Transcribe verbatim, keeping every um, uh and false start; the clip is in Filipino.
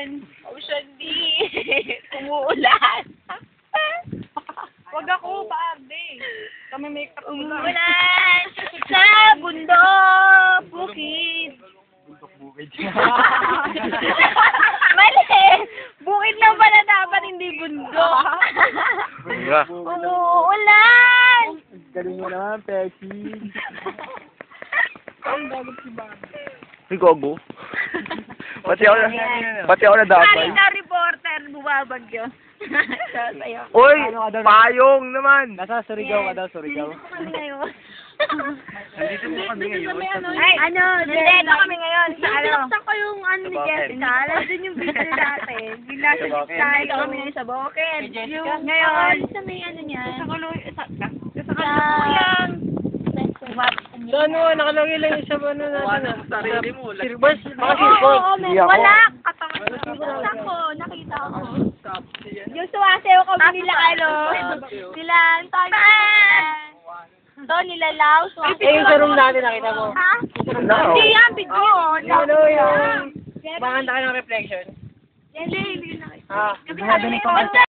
Ocean. Ocean D. Umuulan. Wag ako, paarde. Kami may kapula. Umuulan sa bundok, bukid. Bundok bukid. Mali! Bukid lang pala dapat, hindi bundok. Bunga. Umuulan! Galing mo naman, Peki. Ang gagot si Bobby. Ay, gogo. Pati ako na, pati ako na damay. Kahit na reporter, bumabagyo. Sasayo. Uy, payong naman. Nasa Surigao ka daw, Surigao. Nandito kami ngayon. Nandito mo kami ngayon. Ay, ano, nandito kami ngayon sa ano. Sinaktan ko yung ano ni Jessica. Alam din yung video natin. Bigla siya Nandito kami ngayon sa Bukid. Yung ngayon, sa may ano niya. Sa kulo, sa Sa kuyang. So ano, nakalagay lang yung sa ano natin. Sarili mo. Silvers, mga Oo, silvers. oo, Hindi ako. wala. Katawan ko. Nakita ko. Yung suwasayaw kami nila, ano, nila, Antonio. To, nila Lau. Eh, yung sa room natin, nakita mo. Ha? No. Hindi yan, video. Oo, Ano yung, kumakanta ka ng reflection? Hindi, hindi na. Ah, Kasi sabi ko,